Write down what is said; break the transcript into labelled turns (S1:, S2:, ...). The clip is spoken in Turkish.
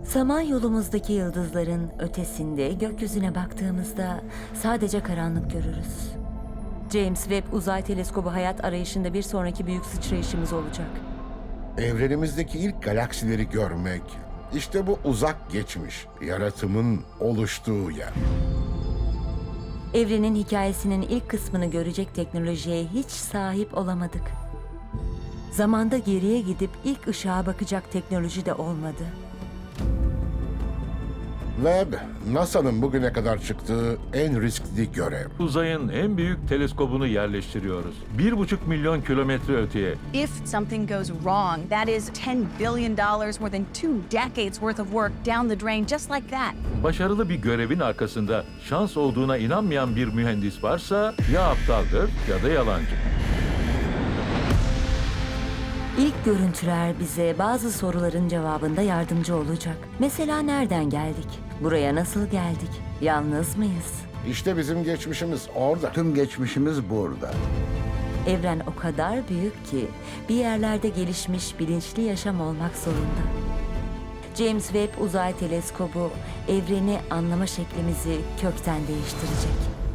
S1: Samanyolumuzdaki yıldızların ötesinde gökyüzüne baktığımızda sadece karanlık görürüz. James Webb Uzay Teleskobu hayat arayışında bir sonraki büyük sıçrayışımız olacak.
S2: Evrenimizdeki ilk galaksileri görmek, işte bu uzak geçmiş, yaratımın oluştuğu yer.
S1: Evrenin hikayesinin ilk kısmını görecek teknolojiye hiç sahip olamadık. Zamanda geriye gidip ilk ışığa bakacak teknoloji de olmadı.
S2: Webb, NASA'nın bugüne kadar çıktığı en riskli görev.
S3: Uzayın en büyük teleskobunu yerleştiriyoruz. 1,5 milyon kilometre öteye.
S4: If something goes wrong, that is $10 billion more than 2 decades worth of work down the drain just like that.
S3: Başarılı bir görevin arkasında şans olduğuna inanmayan bir mühendis varsa ya aptaldır ya da yalancı.
S1: İlk görüntüler bize bazı soruların cevabında yardımcı olacak. Mesela nereden geldik? Buraya nasıl geldik? Yalnız mıyız?
S2: İşte bizim geçmişimiz orada.
S5: Tüm geçmişimiz burada.
S1: Evren o kadar büyük ki bir yerlerde gelişmiş bilinçli yaşam olmak zorunda. James Webb Uzay Teleskobu evreni anlama şeklimizi kökten değiştirecek.